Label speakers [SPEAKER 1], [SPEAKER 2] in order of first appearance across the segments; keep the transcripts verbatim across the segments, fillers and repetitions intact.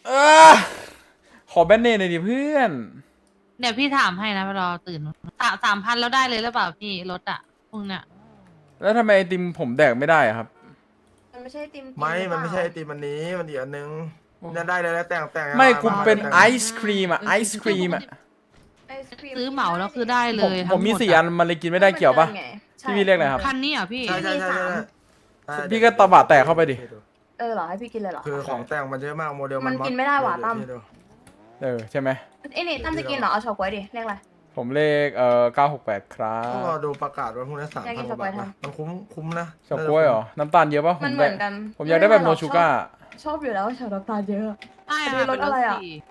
[SPEAKER 1] เออขอแบนเนตหน่อยดิเพื่อน
[SPEAKER 2] เดี๋ยวพี่ถามให้นะรอตื่นสามสามพันแล้วได้เลยหรือเปล่าพี่รถอะพวกเนี้ย
[SPEAKER 1] แล้วทำไมไอติมผมแดกไม่ได้อะครับ
[SPEAKER 3] มันไม่ใช่ติม
[SPEAKER 4] ไม่มันไม่ใช่ไอติมอันนี้มันอีกอันนึงนั่นได้เลยแล้วแต่งแต่ง
[SPEAKER 1] ไม่กูเป็น
[SPEAKER 4] แต่ง
[SPEAKER 1] ไอศครีมอะไอศครีมอะ
[SPEAKER 3] ไอศครีม
[SPEAKER 2] ซื้อเหมาแล้วคือได้เล
[SPEAKER 1] ผม
[SPEAKER 2] ย
[SPEAKER 1] ผมมีสี่อันมันเลยกินไม่ได้เกี่ยวปะพี่พี่เรียกอะไรครับ
[SPEAKER 2] คันนี้เหรอพี่
[SPEAKER 4] ใช่ใช่ใช่ใช่ใช่
[SPEAKER 1] พี่ก็ตะบะแตกเข้าไปดิ
[SPEAKER 3] เออเหรอให้พี่กินเลยเหรอ
[SPEAKER 4] คือของแต่งมันเยอะมากโมเดล
[SPEAKER 3] มันกินไม่ได้ว่ะตั้ม
[SPEAKER 1] เออใช่ไหม
[SPEAKER 3] ไอ้นี่ตั้มจะกินเหรอเอาเฉาก๊วยดิเรียกอะไร
[SPEAKER 1] ผมเลขเอ่อเก้าหกแปดครั
[SPEAKER 4] ต้อง
[SPEAKER 1] บ
[SPEAKER 4] รอดูประกาศว่าพรุ่งนี้สาม
[SPEAKER 3] อยากกิ
[SPEAKER 4] พัน
[SPEAKER 3] น
[SPEAKER 4] กว่าบาท
[SPEAKER 3] ช็อกโกแลต
[SPEAKER 4] นะมันคุ้มคุ้มนะ
[SPEAKER 1] เฉาก๊วยเหรอน้ำตาลเยอะปะผ
[SPEAKER 3] มัน
[SPEAKER 1] ม
[SPEAKER 3] เห
[SPEAKER 1] ได้
[SPEAKER 3] มือนกัน
[SPEAKER 1] ผมอยากได้แบบโนชูก้า
[SPEAKER 3] ชอบอยู่แล้วชาดอกตาลเยอะ
[SPEAKER 2] ใช่
[SPEAKER 3] มีรถอะไรอะ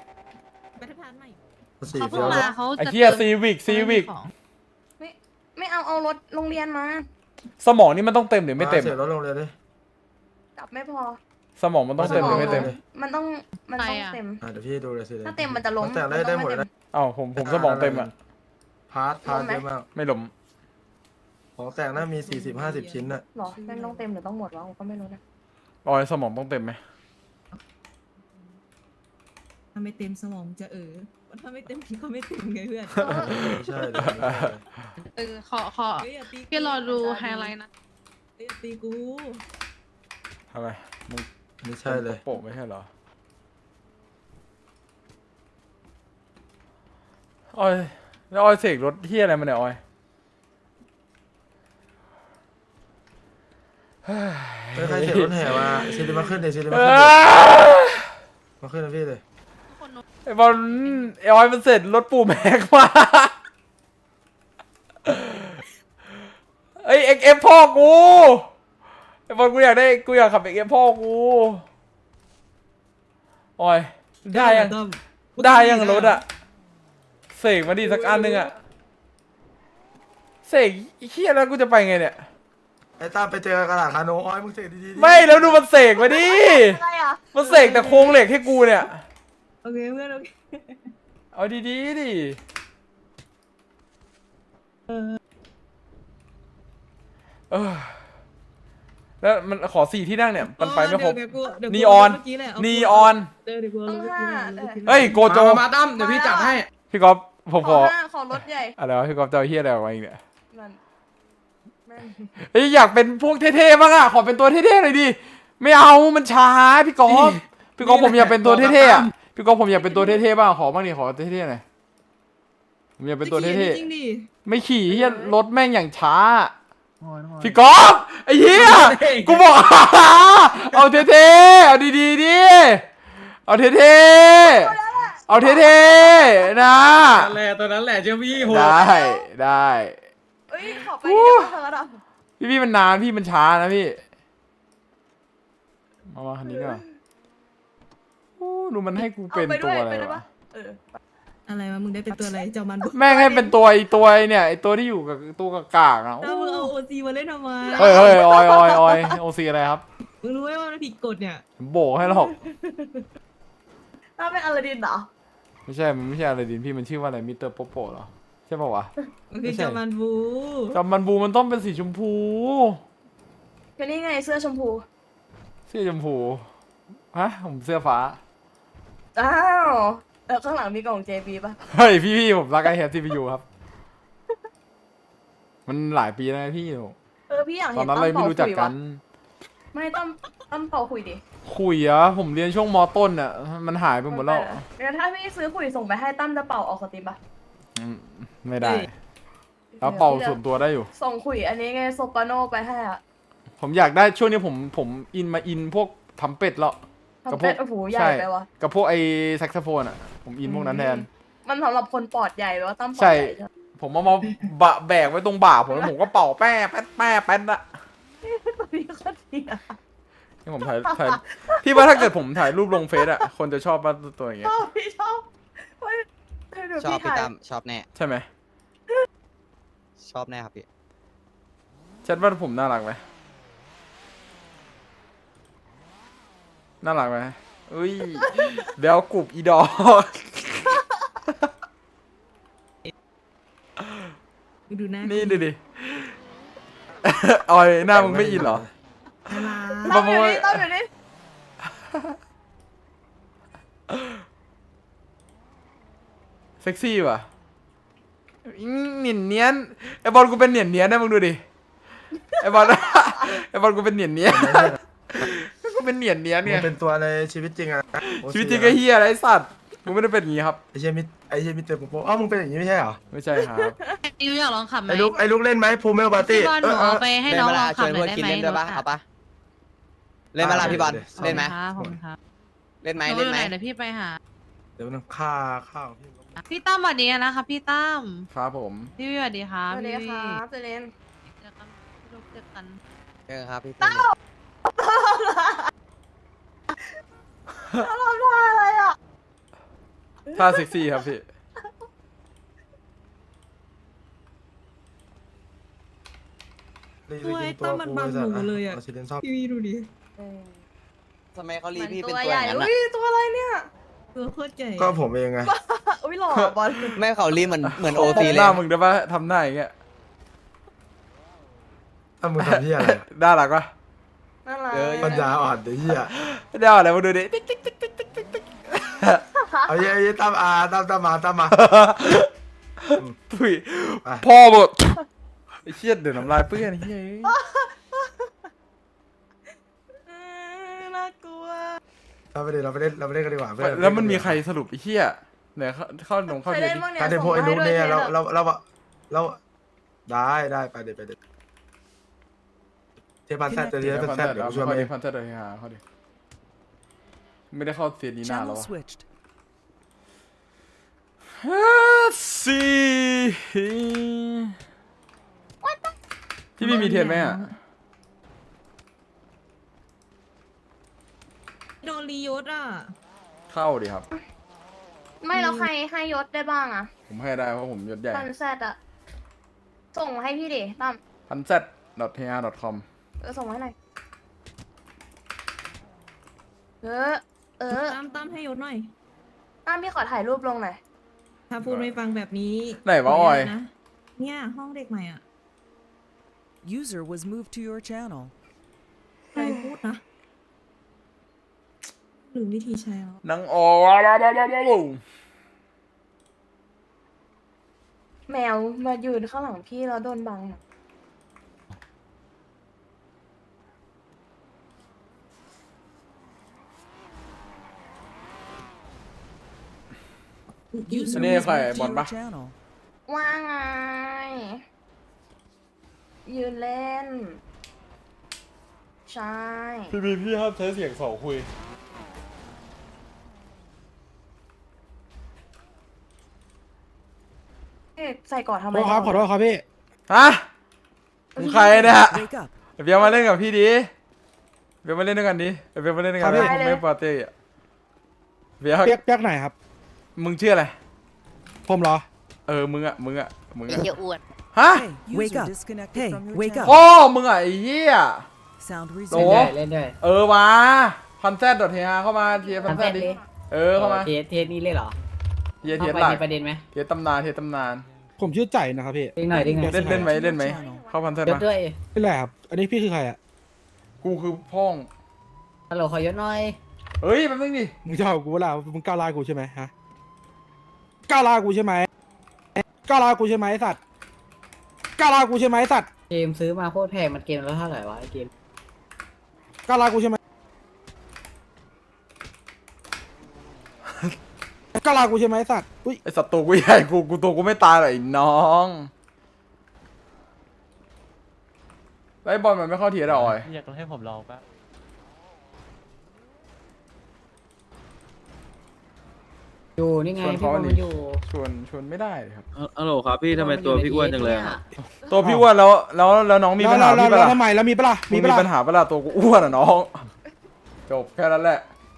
[SPEAKER 4] สี่
[SPEAKER 2] เขา
[SPEAKER 4] เฟี้
[SPEAKER 2] เพิ่
[SPEAKER 4] ย
[SPEAKER 2] ง
[SPEAKER 4] ว
[SPEAKER 2] มาเขา
[SPEAKER 1] ไอ้
[SPEAKER 2] จะ
[SPEAKER 1] เหี้ยซีวิกซีวิก
[SPEAKER 2] ของ
[SPEAKER 3] ไม่ไม่เอาเอารถโรงเรียนมา
[SPEAKER 1] สมองนี่มันต้องเต็มหรือไม่เต็ม
[SPEAKER 4] เสียรถลงเลยดิ
[SPEAKER 3] กลับไม่พอ
[SPEAKER 1] สมองมันต้องเต็มหรือไม่เต็ม
[SPEAKER 3] มันต้องมันต้องเต็ม
[SPEAKER 4] อ่ะเดี๋ยวพี่ดูเลยสิ
[SPEAKER 3] ถ้าเต็มมันจะล้ม
[SPEAKER 4] แต่งได้ได้หมดเลยนะ
[SPEAKER 1] เอ้าผมผมสมองเต็มอะ
[SPEAKER 4] พาร์ทพาร์ทเยอะมาก
[SPEAKER 1] ไม่หลม
[SPEAKER 4] ของแต่งน่ามีสี่สิบห้าสิบชิ้นน่ะ
[SPEAKER 3] หรอแม่งต้องเต็มหรือต้องหมดวะผมก็ไม่รู้นะ
[SPEAKER 1] ออยสมองต้องเต็มไหม
[SPEAKER 5] ถ้าไม่เต็มสมองจะเออถ้าไม่เต็มพี่ก็ไม่เต็มไงเพื่อน
[SPEAKER 4] ไม่ใช่เลยไม่ใช่
[SPEAKER 2] เออขอขอ
[SPEAKER 5] เฮ้ยอย่าตีกู
[SPEAKER 2] พี่รอดูไฮไลท์นะ
[SPEAKER 5] เฮ้ยอย่าตีกู
[SPEAKER 1] ทำไมมึง
[SPEAKER 4] ไม่ใช่เลย
[SPEAKER 1] โปะไม่ใช่เหรอออยแล้วออยเสกรถเที่ยอะไรมาเนี่ยออย
[SPEAKER 4] ไม่ใครเสียรถแห่มาซีดีมาขึ้นเลยซีดีมา
[SPEAKER 1] เอ
[SPEAKER 4] ขึ้นเลย
[SPEAKER 1] อ
[SPEAKER 4] มาขึ้นนะพี่เลย
[SPEAKER 2] คนนู้น
[SPEAKER 1] ไอ้บอลไอ้ออยมันเสร็จรถปูแม็กมาไอ้เอ็กเอฟพ่อกูไอ้บอลกูอยากได้กูอยากขับเอ็กเอฟพ่อกูออยได้ยัง
[SPEAKER 5] ต้อม
[SPEAKER 1] ได้ยังรถอะเสกมาดิสักอันหนึ่งอะเสกไอ้เฮียแล้วกูจะไปไงเนี่ย
[SPEAKER 4] ไอ้ตามไปเจอกระดาษคาโนอ้อยมึงเสกดีๆ
[SPEAKER 1] ไม่แล้วดูมันเสกมาดิ
[SPEAKER 3] อะไรอ่ะ
[SPEAKER 1] มันเสกแต่โครงเหล็กให้กูเนี่ย
[SPEAKER 5] โอเคเพื่อนโอเค
[SPEAKER 1] เอาดีๆดิเออแล้วมันขอสี่ที่นั่งเนี่ยมันไปไม่ครบ
[SPEAKER 5] เดี๋ยวกูเดี๋ยวกู
[SPEAKER 1] นีออน
[SPEAKER 5] เมื่กี้แหละเา
[SPEAKER 1] นีออน
[SPEAKER 5] เดี๋ยวเดี๋ยวกูเอา
[SPEAKER 3] ต้อง
[SPEAKER 5] เมื่อ
[SPEAKER 3] ห้า
[SPEAKER 5] กี้แหละ
[SPEAKER 1] เฮ้ยโกโจ
[SPEAKER 6] มามาตั้มเดี๋ยวพี่จัดให้
[SPEAKER 1] พี่ก๊อฟผม
[SPEAKER 3] ข
[SPEAKER 1] ข
[SPEAKER 3] อ
[SPEAKER 1] อ
[SPEAKER 3] ห้าขอรถใหญ่
[SPEAKER 1] อะไรวะพี่ก๊อฟจะเอาเฮียอะไรออกมาอีกเนี่ย
[SPEAKER 3] นั่นแม่ง
[SPEAKER 1] เฮ้ยอยากเป็นพวกเท่ๆบ้างอะขอเป็นตัวเท่ๆหน่อยดิไม่เอามันช้าพี่ก๊อฟพี่ก๊อฟผมอยากเป็นตัวเท่ๆอะพี่ก๊อฟผมอยากเป็นตัวเท่ๆบ้างขอบ้างดิขอเท่ๆหน่อยผมอยากเป็นตัวเท่
[SPEAKER 5] จริงดิ
[SPEAKER 1] ๆไม่ขี่เฮียรถแม่งอย่างช้าพี่ก๊อฟไอ้เฮียกูบอก เอาเท่ๆเอาดีๆดิเอาเท่ๆเอาเท่ๆนะ
[SPEAKER 6] นั่นแหละตัวนั้นแหละเจ้าพี่โห
[SPEAKER 1] ได้ได้
[SPEAKER 3] เอ้ยขอไปนี่ได้ป่ะเธออ่ะ
[SPEAKER 1] พี่พี่มันนานพี่มันช้านะพี่มามาคันนี้ก่อนโอ้ดูมันให้กูเป็นตัวอะไรวะ
[SPEAKER 3] เออ
[SPEAKER 5] อะไรวะมึงได้เป็นตัวอะไรเจ้ามันบุ
[SPEAKER 1] แม่งให้เป็นตัวไอตัวไอเนี่ยไอตัวที่อยู่กับตัวกากากๆอ่ะ
[SPEAKER 5] ถ้ามึงเอาโอซีมาเล่นทำไม
[SPEAKER 1] เฮ้ยเฮ้ยออยออยออยโอซีอะไรครับ
[SPEAKER 5] มึงรู้ไหมว่ามันผิดกฎเนี่ย
[SPEAKER 1] ผมโบกให้หรอก
[SPEAKER 3] ถ้าเป็นอลาดินเหรอ
[SPEAKER 1] ไม่ใช่มันไม่ใช่อะไรดินพี่มันชื่อว่าอะไรมิสเตอร์โปโปเหรอใช่ป่าวะ
[SPEAKER 5] มันคือเจ้ามันบู
[SPEAKER 1] จำมันบูมันต้องเป็นสีชมพู
[SPEAKER 3] ก็นี่ไงเสื้อชมพู
[SPEAKER 1] เสื้อชมพูฮะผมเสื้อฟ้า
[SPEAKER 3] อ้าวเออข้างหลังมีกล่อง เจ บี ป่ะ
[SPEAKER 1] เฮ้ยพี่พี่ผมรักไอแฮปที่ไปอยู่ครับ มันหลายปีแล้วนะพี่
[SPEAKER 3] เออพี่อยาก
[SPEAKER 1] ตอ
[SPEAKER 3] เห็
[SPEAKER 1] น
[SPEAKER 3] น
[SPEAKER 1] นั้น
[SPEAKER 3] ตั้
[SPEAKER 1] เรา
[SPEAKER 3] ม
[SPEAKER 1] ไม่
[SPEAKER 3] เป่า
[SPEAKER 1] รู้จัก
[SPEAKER 3] คุย
[SPEAKER 1] กั
[SPEAKER 3] วะ
[SPEAKER 1] น
[SPEAKER 3] ไม่ตั้มตั้มเป่าคุยดิ
[SPEAKER 1] คุยอะผมเรียนช่วงมต้นอะมันหายไปหมดแล้ว
[SPEAKER 3] เดี๋ยวถ้าพี่ซื้อคุยส่งไปให้ตั้มจะเป่าออกสตรีมป่ะ
[SPEAKER 1] อืมไม่ได้แล้วเป่าส่วนตัวได้อยู่
[SPEAKER 3] ส่งคุยอันนี้ไงโซปราโนไปให้อ่ะ
[SPEAKER 1] ผมอยากได้ช่วงนี้ผมผมอินมาอินพวกทำเป็ดแล้ว
[SPEAKER 3] ทำเป็ดโอ้โหใหญ่
[SPEAKER 1] ใช่
[SPEAKER 3] ไปวะ
[SPEAKER 1] กับพวกไอ้แซกโซโฟนอะผมอินพวกนั้นแทน
[SPEAKER 3] มันสำหรับคนปอดใหญ่ไปว่าตั้มปอด
[SPEAKER 1] ใช่
[SPEAKER 3] ใหญ่ใช่ไหม
[SPEAKER 1] ผมเอามาบะแบกไว้ตรงบ่าผมแล้วผมก็เป่าแป้แป๊ดแป้แป๊ดอะ
[SPEAKER 3] ตัวนี้ก็ดีอ่ะ
[SPEAKER 1] ที่ผมถ่ายถ่ายพี่ว่าถ้าเกิดผมถ่ายรูปลงเฟซอะคนจะชอบป่ะตัวอย่างเงี้
[SPEAKER 3] ช
[SPEAKER 1] ย
[SPEAKER 3] อบพี่ชอบเฮ้ยเดี๋ยว
[SPEAKER 7] ชอบ
[SPEAKER 3] พี่
[SPEAKER 7] พี่
[SPEAKER 3] ถ่าย
[SPEAKER 7] ตั้มชอบแน่
[SPEAKER 1] ใช่ไหม
[SPEAKER 7] ชอบแน่ครับพี่
[SPEAKER 1] ชัดว่าผมน่ารักไหมน่ารักไหมอุ้ยเบลกรุบอีดอก
[SPEAKER 5] มึงดูหน้า
[SPEAKER 1] นี่
[SPEAKER 5] กู
[SPEAKER 1] ดูดิ ออยหน้ามึงไม่อินเหรอ
[SPEAKER 5] น่ารัก
[SPEAKER 3] ตั้มอยู่นี่ตั้มอยู่นี่
[SPEAKER 1] เซ็กซี่ว่ะอิ๊งเหนียนเนียนไอบอลกูเป็นเหนียนเนียนนะมึงดูดิไอบอล ไอบอลกูเป็นเหนียนเนียนกูเป็นเหนียนเนียน
[SPEAKER 4] มึ
[SPEAKER 1] ไง
[SPEAKER 4] งเป็นตัวในชีวิตจริงอะโอซี
[SPEAKER 1] ชีวิตจริงก็เฮียอะไรไอ้สัตว์มึงไม่ได้เป็นอย่างงี้ครับ
[SPEAKER 4] ไอเชยมิไอเชยมิเตอร์โปอ้าวมึงเป็นอย่างนี้ไม่ใช่เหรอ
[SPEAKER 1] ไม่ใช่ครับ
[SPEAKER 2] ยูอยากลองขับไหม
[SPEAKER 4] ไอลูกไอลูกเล่นไหมพูเมลปาร์ตี้
[SPEAKER 2] พี่บอลหนูเอาไปให้
[SPEAKER 7] เล่น
[SPEAKER 2] น้อง
[SPEAKER 7] เว
[SPEAKER 2] ล
[SPEAKER 7] ลา
[SPEAKER 2] อง
[SPEAKER 7] ช
[SPEAKER 2] ขับ
[SPEAKER 7] วน
[SPEAKER 2] หน่
[SPEAKER 7] เพื่
[SPEAKER 2] อ
[SPEAKER 7] อย น
[SPEAKER 2] ได้
[SPEAKER 7] กิน
[SPEAKER 2] ไหม
[SPEAKER 7] เล่นด้วยปะ
[SPEAKER 2] รถ
[SPEAKER 7] เอา
[SPEAKER 2] อะ
[SPEAKER 7] ปะเล่นเวลาพี่บอล
[SPEAKER 4] ได้
[SPEAKER 7] เล่นไหม
[SPEAKER 2] ครับผมครับ
[SPEAKER 7] เล่นไหม
[SPEAKER 2] หนู
[SPEAKER 7] เล่น
[SPEAKER 2] อยู่
[SPEAKER 7] ไหม
[SPEAKER 2] ไหนเดี๋ยวพี่ไปหา
[SPEAKER 4] เดี๋ยวมันค่าข้าวพี่
[SPEAKER 2] พี่ตั้มสวัสดีนะคะพี่ตั้ม
[SPEAKER 1] ครับผม
[SPEAKER 2] พี่วิวสวัสดีครับ
[SPEAKER 3] สวัสดี
[SPEAKER 2] พี่
[SPEAKER 3] ครับเจเลน
[SPEAKER 2] เจอกันพี่ลูกเจอกัน
[SPEAKER 7] เออครับพี่ตั้ม
[SPEAKER 3] อะไรอ่ะ
[SPEAKER 1] ท่าเซ็กซี่ครับพี่
[SPEAKER 5] ตัวไอ้ตั้มมันบังหนูเลยอะ
[SPEAKER 4] าชิเลนชอบ
[SPEAKER 5] พี่วีดูดิ
[SPEAKER 7] ทำไมเขารี
[SPEAKER 3] มัน
[SPEAKER 7] พี่เป็น
[SPEAKER 3] ตัว
[SPEAKER 7] ตัว
[SPEAKER 3] ให
[SPEAKER 7] อ
[SPEAKER 3] ญ่
[SPEAKER 7] ย่างนั้น
[SPEAKER 3] อุ้
[SPEAKER 7] อะ
[SPEAKER 3] ยตัวอะไรเนี่ย
[SPEAKER 5] ตัวโคตรใหญ่
[SPEAKER 4] ก็ผมเองไง
[SPEAKER 3] อุ้ยหล่อบอล
[SPEAKER 7] ไม่เขารีเหมือนเหมือนโอ
[SPEAKER 1] ต
[SPEAKER 7] ซี
[SPEAKER 1] บ
[SPEAKER 7] เล
[SPEAKER 1] ห
[SPEAKER 7] ย
[SPEAKER 1] น้ามึงได้ปะทำหน้าอย่างเงี้ย
[SPEAKER 4] ถ้ามึงทำที่อะไรอะ
[SPEAKER 1] น่ารักปะ
[SPEAKER 3] น่ารัก
[SPEAKER 4] ปัญญาอ่อนเดี๋ยวเหี้ย
[SPEAKER 1] เดี๋ยวอะไรมาดูดิติ๊กติ๊กติ๊กติ๊กติ๊กติ๊กติ๊ก
[SPEAKER 4] เอาเย้ยตั้มอาตั้มตั้มมาตั้มมา
[SPEAKER 1] ถุย
[SPEAKER 4] ไป
[SPEAKER 1] พ่อหมดไอ้เชี่ยเดี๋ยวน้ำลายเปื้อนไอ้เฮ้ย
[SPEAKER 3] เออน่ากลัว
[SPEAKER 4] เราไปเล่นเราไปเล่นเราไปเล่นกันดีกว่าเพื่อน
[SPEAKER 1] แล้วมันมีใครสรุปไอ้เชี่ยเนี่ยเข้าเข้าหนงเข้า
[SPEAKER 3] เคย
[SPEAKER 1] เทีย
[SPEAKER 3] เล่น
[SPEAKER 1] ดิ
[SPEAKER 3] บ้างเนี่ย
[SPEAKER 4] การเดนโพ
[SPEAKER 3] ส่ง
[SPEAKER 4] ไอ้
[SPEAKER 3] มา
[SPEAKER 4] นุ
[SPEAKER 3] ให้
[SPEAKER 4] ก
[SPEAKER 3] ด้วย
[SPEAKER 4] เนี่ยเรา
[SPEAKER 3] อะ
[SPEAKER 4] เราเราเราได้ได้ไปเดี๋ยวไปเดี๋ยวเทปันแซดจะเรียนเป็นแซดเดี๋ยวกูช่วย
[SPEAKER 1] เข้า
[SPEAKER 4] มาเอ
[SPEAKER 1] ดิ
[SPEAKER 4] ง
[SPEAKER 1] พันเตอร์เลยฮะเข้าดิไม่ได้เข้าเซียนนี้นานแล้ว
[SPEAKER 8] Channel
[SPEAKER 1] วะ
[SPEAKER 8] switched.
[SPEAKER 1] ฮ่าสี่พี่มีมีเทียนไหมอ่ะ
[SPEAKER 5] โดนรียศอ่ะ
[SPEAKER 1] เข้าดิครับ
[SPEAKER 3] ไม่แล้วใครให้ยศได้บ้างอ่ะ
[SPEAKER 1] ผมให้ได้เพราะผมยศใหญ่
[SPEAKER 3] พันแซดอ่ะ ส่งมาให้พี่ดิตั้ม
[SPEAKER 1] พันเซต เทียร์ ดอท คอม
[SPEAKER 3] เออส่งมาให้หน่อยเออ เออ
[SPEAKER 5] ตั้มตั้มให้ยศหน่อย
[SPEAKER 3] ตั้มพี่ขอถ่ายรูปลงหน่อย
[SPEAKER 5] ถ้าพูดไม่ฟังแบบนี้
[SPEAKER 1] ไหนวะออย
[SPEAKER 5] นะเนี่ยห้องเด็กใหม่อ่ะ
[SPEAKER 8] User was moved to your channel.
[SPEAKER 5] ใครพูดนะหรือวิธีใช้แล้ว
[SPEAKER 1] นังโอ
[SPEAKER 3] แมวมายืนข้างหลังพี่แล้วโดนบังอะ
[SPEAKER 8] User
[SPEAKER 1] Ini
[SPEAKER 8] was
[SPEAKER 1] kayak
[SPEAKER 8] moved to
[SPEAKER 1] Bon
[SPEAKER 8] your
[SPEAKER 1] Bah.
[SPEAKER 8] channel.
[SPEAKER 3] ว่าไง ยืนเล่น ใช่
[SPEAKER 1] พี่บีพี่ครับใช้เสียงสองคุย
[SPEAKER 3] เอ๊ะใส่ก่อนทำไม
[SPEAKER 6] ขอโทษครับขอโทษครับพี่
[SPEAKER 1] ฮะมึงใครเนี่ย
[SPEAKER 8] Wake up.
[SPEAKER 1] เบียร์มาเล่นกับพี่ดิเบียร์มาเล่นด้วยกันดิเบียร์มาเล่นด้วยกัน
[SPEAKER 6] ครับพี่
[SPEAKER 1] ผมไม่ปาร์ตี้อ่ะเบียร์
[SPEAKER 6] เปียกเปียกไหนครับ
[SPEAKER 1] มึงชื่ออะไร
[SPEAKER 6] ผมเหรอ
[SPEAKER 1] เออ มึงอ่ะ มึงอ่ะ มึงอ่ะ
[SPEAKER 2] เยอะอ้วน
[SPEAKER 1] ฮะ
[SPEAKER 8] Hey, Wake user up. disconnected Hey, from your wake channel.
[SPEAKER 1] พ่อมึงอ่ะไอ้เหี้ย
[SPEAKER 8] Sound
[SPEAKER 1] โอ้
[SPEAKER 8] resumed.
[SPEAKER 9] เล่นด้วย
[SPEAKER 1] เออมาพันแซดดอทเทียเข้ามาเทียพันแซดดิ เออ เข้ามา
[SPEAKER 9] เทสเทสนี้เลยเหรอ
[SPEAKER 1] เทียเทีย
[SPEAKER 9] เข้า
[SPEAKER 1] ห
[SPEAKER 9] ไป
[SPEAKER 1] ลัก
[SPEAKER 9] ในประเด็นไหม
[SPEAKER 1] เทียตำนานเทียตำนาน
[SPEAKER 6] ผมชื่อใจนะครับพี่
[SPEAKER 9] เด้งหน่อยเด้งหน่อย
[SPEAKER 1] เล่นเล่นไหมเล่นไหมเข้าพันแซด
[SPEAKER 9] ยศ
[SPEAKER 1] มา
[SPEAKER 9] ด้วย
[SPEAKER 6] นี่แหละครับ อันนี้พี่คือใครอ่ะ
[SPEAKER 1] กูคือพ่อง
[SPEAKER 9] ฮัลโหลขอยศหน่อย
[SPEAKER 1] เฮ้ยแป๊บนึงดิ
[SPEAKER 6] มึงจะเอากูเวลามึงก้าวลากูใช่ไหมฮะก้าวลากูใช่ไหมก้าวลากูใช่ไหมไอ้สัตว์ก้าวลากูใช่ไหมไอ้สัตว์
[SPEAKER 9] เกมซื้อมาโคตรแพงมันเกมแล้วเท่าไหร่วะไอเกม
[SPEAKER 6] ก้าวลากูใช่ไหมก้าวลากูใช่ไหมไอ้สัตว์อุ้ย
[SPEAKER 1] ไอสัตว์ตัวกูใหญ่กูกูตัวกูไม่ตายหรอกไอ้น้องแล้วไอ้บอลมันไม่เข้าเทียร์อะออย
[SPEAKER 10] อยากให้ผมลองปะ
[SPEAKER 9] อยู่นี่ไง
[SPEAKER 1] ชวน
[SPEAKER 9] พี่
[SPEAKER 1] เขา
[SPEAKER 9] บอล
[SPEAKER 1] ดิ
[SPEAKER 9] มันอยู่
[SPEAKER 1] ชวนชวนไม่ได้เลยครับ
[SPEAKER 10] ฮัลโหลครับพี่ทำไมตัวพี่อ้วนจังเลยครับ
[SPEAKER 1] ตัวพี่อ้วนแล้วแล้วแล้วน้องมีปัญหา
[SPEAKER 6] แล้ว
[SPEAKER 1] พี่
[SPEAKER 6] แล้ว
[SPEAKER 1] ปะ
[SPEAKER 6] แล้ว
[SPEAKER 1] ล่ะ
[SPEAKER 6] ทำไมแล้วมีปะล่ะ
[SPEAKER 1] มี
[SPEAKER 6] มี
[SPEAKER 1] มี
[SPEAKER 6] ปะล่ะ
[SPEAKER 1] ปัญหาปะล่ะตัวกูอ้วนอ่ะน้องจบแค่นั้นแหละ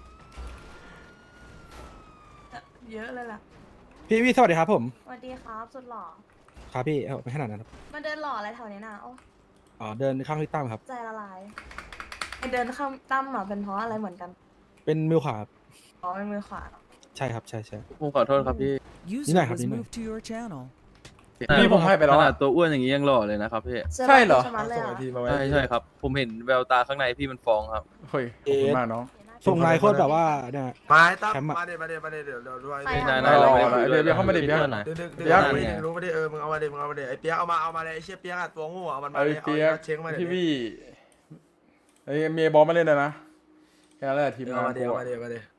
[SPEAKER 3] เยอะเลยล่ะ
[SPEAKER 6] พี่พี่สวัสดีครับผม
[SPEAKER 3] สวัสดีครับ สุดหล่อ
[SPEAKER 6] ครับพี่เอาไม่ขนาดนั้นครับ
[SPEAKER 3] มาเดินหล่ออะไรแถวนี้น่ะโอ้
[SPEAKER 6] อ๋อเดินข้างพี่ตั้มครับ
[SPEAKER 3] ใจละลายไอเดินข้ามตั้มหรอเป็นเพราะอะไรเหมือนกัน
[SPEAKER 6] เป็นมิวขาครับ
[SPEAKER 3] อ๋อเป็นมือขวาเหรอ
[SPEAKER 6] ใช่ครับใช่ใช่
[SPEAKER 10] ผมขอโทษครับพี่
[SPEAKER 8] User
[SPEAKER 6] này,
[SPEAKER 8] was
[SPEAKER 6] đi này.
[SPEAKER 8] moved to your channel.
[SPEAKER 1] นี่ผมให้ไปแล้ว
[SPEAKER 10] ขนา
[SPEAKER 1] อะ
[SPEAKER 10] ดตัวอ้วนอย่างนี้ยังหล่อเลยนะครับพี่
[SPEAKER 1] ใช่เหรอ
[SPEAKER 3] สื้ลายชะมัดเลย
[SPEAKER 4] ส่ง
[SPEAKER 3] อะ
[SPEAKER 4] ไอทีมาไว้
[SPEAKER 10] ใช่ใช่ครับ ผมเห็นแววตาข้างในพี่มันฟองครับ
[SPEAKER 1] เฮ้ยขอบคุณมากน้อง
[SPEAKER 3] เห็นหน้า
[SPEAKER 6] ส่งนายโคตรแบบว่าเนี่ย
[SPEAKER 4] มาตั้ม
[SPEAKER 6] แคมป์อะ
[SPEAKER 4] มาเดี๋ยวมาเดี๋ยวมาเดี๋ยวเดี๋ยวเดี๋ยวด้วย
[SPEAKER 3] ไป
[SPEAKER 10] ได้
[SPEAKER 3] อ่ะ
[SPEAKER 10] ได้เราไปคุย
[SPEAKER 1] เดี๋ยวเดี๋ยวเข้ามาดิ
[SPEAKER 10] คุ
[SPEAKER 1] เดี๋ยว
[SPEAKER 10] พื่อนหน่อย
[SPEAKER 4] เดี๋ยวเดี๋ยว
[SPEAKER 1] เปี๊
[SPEAKER 4] เดี๋
[SPEAKER 1] ย
[SPEAKER 4] ยว
[SPEAKER 1] ก
[SPEAKER 4] ไม่รู้ไม่ได้เออมึงเอามาเดี๋ยวมึงเอามาเดี๋ยวไอ้เปียกเอามาเอามาเลยไอ้เชี่ยเปียกอะตัวงูเอามันมา
[SPEAKER 1] ไอ้
[SPEAKER 4] เลยเอา
[SPEAKER 1] เปียก
[SPEAKER 4] เช็คมาเดี๋ยว
[SPEAKER 1] พี่
[SPEAKER 4] นี้
[SPEAKER 1] วี่ไอ้เมียบอลมาเล่นนะนะแค่นั้นแหละทีม
[SPEAKER 4] เดี๋ยว
[SPEAKER 1] งาน
[SPEAKER 4] มาเดี๋ยว
[SPEAKER 1] กู
[SPEAKER 4] มา
[SPEAKER 1] อะ
[SPEAKER 4] เดี๋ยวมาเดี๋ยว